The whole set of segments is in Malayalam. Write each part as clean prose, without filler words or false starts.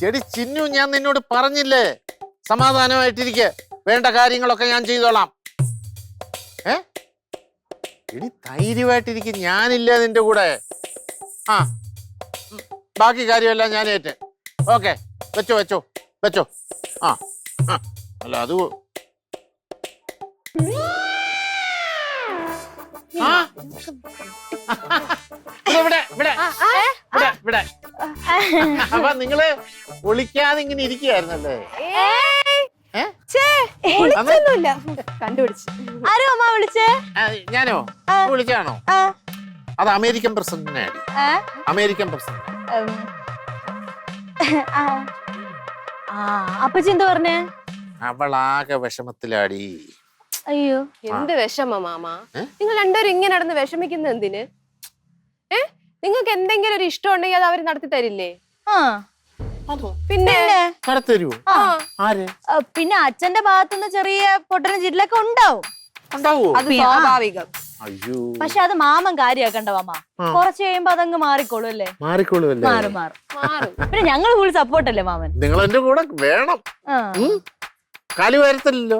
എടി ചിന്നു, ഞാൻ നിന്നോട് പറഞ്ഞില്ലേ സമാധാനമായിട്ടിരിക്കെ, വേണ്ട കാര്യങ്ങളൊക്കെ ഞാൻ ചെയ്തോളാം. എടി ധൈര്യമായിട്ടിരിക്കും, ഞാനില്ല നിന്റെ കൂടെ. ആ ബാക്കി കാര്യമെല്ലാം ഞാൻ ഏറ്റ്. ഓക്കെ, വെച്ചോ വെച്ചോ വെച്ചോ. ആ അല്ല അത് അപ്പൊ നിങ്ങള് ഒളിക്കാതെ ഇങ്ങനെ ഇരിക്കുകയായിരുന്നല്ലേ? കണ്ടുപിടിച്ചു. ആരോ അമ്മ വിളിച്ചേ? ഞാനോ വിളിച്ചാണോ? അത് അമേരിക്കൻ പ്രസിഡന്റിനെ. American president. അപ്പച്ചി എന്താ പറഞ്ഞേ? അവളാകെ വിഷമത്തിലാടി. അയ്യോ, എന്ത് വിഷമ മാമ? നിങ്ങൾ രണ്ടുപേരും ഇങ്ങനെ നടന്ന് വിഷമിക്കുന്ന എന്തിന്? നിങ്ങൾക്ക് എന്തെങ്കിലും ഒരു ഇഷ്ടം ഉണ്ടെങ്കിൽ അത് അവര് നടത്തി തരില്ലേ? പിന്നെ പിന്നെ അച്ഛന്റെ ഭാഗത്തുനിന്ന് ചെറിയ പൊട്ടനും ചിരിലൊക്കെ ഉണ്ടാവും. അത് സ്വാഭാവികം. പക്ഷെ അത് മാമൻ കാര്യാക്കണ്ട മാമ. കുറച്ച് കഴിയുമ്പോ അതങ്ങ് മാറിക്കോളൂ അല്ലേ? മാറും. പിന്നെ ഞങ്ങൾ ഫുൾ സപ്പോർട്ടല്ലേ മാമൻ? നിങ്ങൾ എന്റെ കൂടെ വേണം. കാലു വരത്തില്ലല്ലോ.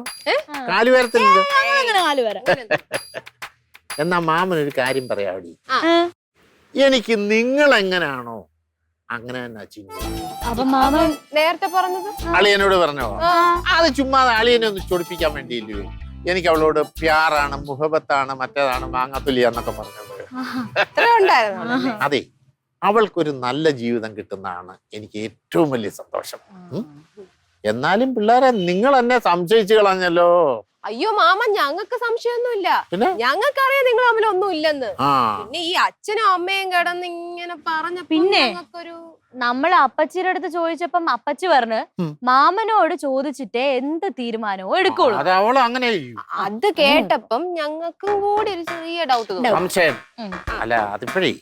എന്നാ മാമൻ ഒരു കാര്യം പറയാടി. എനിക്ക് നിങ്ങൾ എങ്ങനാണോ അങ്ങനെ തന്നെ ചിന്നു. അപ്പൊ മാമൻ നേരത്തെ പറഞ്ഞത് അളിയനോട് പറഞ്ഞോ? അത് ചുമ്മാ അളിയനെ ഒന്ന് ചൊടിപ്പിക്കാൻ വേണ്ടിയില്ലേ? എനിക്ക് അവളോട് പ്യാറാണ്, മുഹബത്താണ്, മറ്റേതാണ്, മാങ്ങാത്തുലിയ എന്നൊക്കെ പറഞ്ഞത്. അതെ, അവൾക്കൊരു നല്ല ജീവിതം കിട്ടുന്നതാണ് എനിക്ക് ഏറ്റവും വലിയ സന്തോഷം. എന്നാലും പിള്ളേരെ നിങ്ങൾ എന്നെ സംശയിച്ചു കളഞ്ഞല്ലോ. അയ്യോ മാമ, ഞങ്ങൾക്ക് സംശയമൊന്നുമില്ല. ഞങ്ങൾക്കറിയാം നിങ്ങൾ തമ്മിൽ ഒന്നും ഇല്ലെന്ന്. പിന്നെ ഈ അച്ഛനും അമ്മയും കിടന്ന് ഇങ്ങനെ പറഞ്ഞ പിന്നെ നമ്മള് അപ്പച്ചിയുടെ അടുത്ത് ചോദിച്ചപ്പം അപ്പച്ചി പറഞ്ഞു മാമനോട് ചോദിച്ചിട്ടേ എന്ത് തീരുമാനവും എടുക്കുള്ളൂ. അത് കേട്ടപ്പം ഞങ്ങൾക്കും കൂടി ഒരു ചെറിയ ഡൗട്ട് സംശയം. അല്ല അതിപ്പോഴേ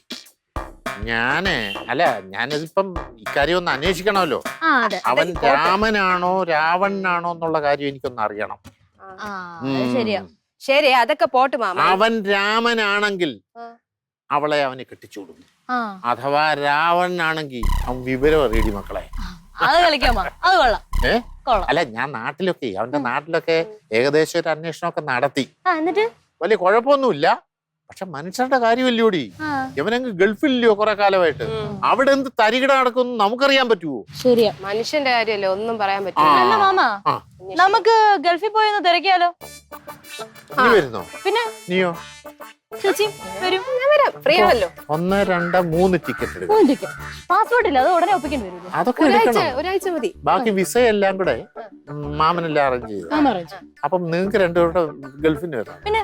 ഞാനിതിപ്പം ഇക്കാര്യം ഒന്ന് അന്വേഷിക്കണമല്ലോ. അവൻ രാമനാണോ രാവണനാണോ എന്നുള്ള കാര്യം എനിക്കൊന്ന് അറിയണം. ശരി, അതൊക്കെ പോട്ട് മാമ. അവൻ രാമനാണെങ്കിൽ അവളെ അവന് കെട്ടിച്ചൂടും. അഥവാ രാവണനാണെങ്കിൽ അവൻ വിവരം അറിയടി മക്കളെ. അല്ല, ഞാൻ നാട്ടിലൊക്കെ അവന്റെ നാട്ടിലൊക്കെ ഏകദേശം ഒരു അന്വേഷണമൊക്കെ നടത്തി. വലിയ കുഴപ്പമൊന്നുമില്ല. പക്ഷെ മനുഷ്യരുടെ കാര്യമല്ലോടി. ഇവനങ്ങ് ഗൾഫില്ലയോ കുറെ കാലമായിട്ട്. അവിടെ എന്ത് തരികിട നടക്കുന്നു നമുക്കറിയാൻ പറ്റുമോ? ശരിയാ, മനുഷ്യന്റെ കാര്യമല്ലേ, ഒന്നും പറയാൻ പറ്റില്ല. മാമ, നമുക്ക് ഗൾഫിൽ പോയി ഒന്ന് തിരക്കിയാലോ? നീ വരുന്നോ? പിന്നെ നീയോ? ചേച്ചി വരും. 1, 2, 3 ടിക്കറ്റ് എടുക്കും. പാസ്പോർട്ട് ഇല്ല, അത് ഉടനെ ഒപ്പിക്കേണ്ടി വരും. അതൊക്കെ ഒരാഴ്ച മതി. ബാക്കി വിസ എല്ലാം കൂടെ മാമനെല്ലാം അറേഞ്ച് ചെയ്തു. അപ്പം നിങ്ങൾക്ക് രണ്ടുപേരുടെ ഗൾഫിന് വരാം. പിന്നെ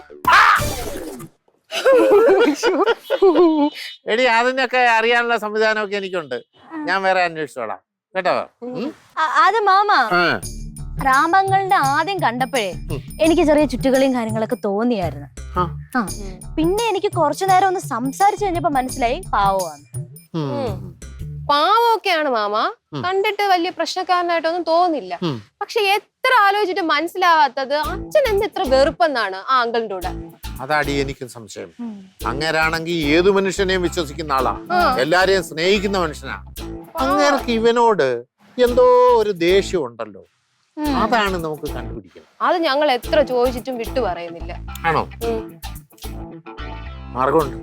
എടി അതിനൊക്കെ അറിയാനുള്ള സംവിധാനമൊക്കെ എനിക്കുണ്ട്. ഞാൻ വേറെ അന്വേഷിച്ചോളാം കേട്ടോ. അത് മാമ, രാമങ്ങളുടെ ആദ്യം കണ്ടപ്പോഴേ എനിക്ക് ചെറിയ ചുറ്റുകളിയും കാര്യങ്ങളൊക്കെ തോന്നിയായിരുന്നു. പിന്നെ എനിക്ക് കുറച്ചു നേരം ഒന്ന് സംസാരിച്ചു കഴിഞ്ഞപ്പോ മനസ്സിലായി പാവമാണ്. പാവമൊക്കെയാണ് മാമ, കണ്ടിട്ട് വലിയ പ്രശ്നക്കാരനായിട്ടൊന്നും തോന്നില്ല. പക്ഷെ എത്ര ആലോചിച്ചിട്ട് മനസ്സിലാവാത്തത് അച്ഛൻ എന്ത് ഇത്ര വെറുപ്പെന്നാണ് ആ അങ്കിളിന്റെ കൂടെ. അതാടി എനിക്കും സംശയം. അങ്ങേരാണെങ്കിൽ ഏതു മനുഷ്യനെയും വിശ്വസിക്കുന്ന ആളാ, എല്ലാരെയും സ്നേഹിക്കുന്ന മനുഷ്യനാ. അങ്ങേർക്ക് ഇവനോട് എന്തോ ഒരു ദേഷ്യം ഉണ്ടല്ലോ. അതാണ് നമുക്ക് കണ്ടുപിടിക്കണം. അത് ഞങ്ങൾ എത്ര ചോദിച്ചിട്ടും വിട്ടു പറയുന്നില്ല. ആണോ? മാർഗമുണ്ട്.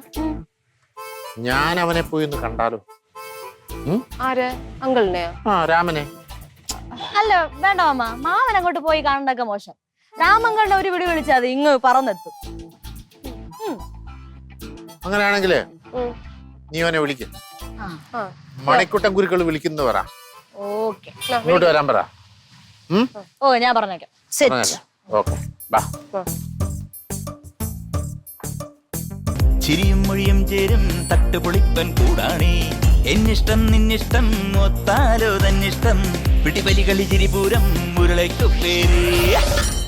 ഞാൻ അവനെ പോയി ഒന്ന് കണ്ടാലോ? ആര്? അങ്കിളിനെ? രാമനെ. അല്ല വേണ്ട മാമ, മാമൻ അങ്ങോട്ട് പോയി കാണണ്ടൊക്കെ മോശം. രാമങ്ങളുടെ ഒരു വിളി വിളിച്ചാൽ അത് ഇങ്ങ് പറന്നെത്തും. അങ്ങനെയാണെങ്കിലേ നീ അവനെ വിളിക്ക. മണിക്കുട്ടൻ കുരുക്കൾ വിളിക്കുന്നു പറ. ഇങ്ങോട്ട് വരാൻ പറ. ഞാൻ പറഞ്ഞേക്കാം. ചിരിയും മൊഴിയും ചേരും തട്ടുപൊളിപ്പൻ കൂടാണേ. എന്നിഷ്ടം നിന്നിഷ്ടം ഒത്താലോ തന്നിഷ്ടം. പിടിപലി കളി ചിരിപൂരം മുരളയ്ക്കു പേര്.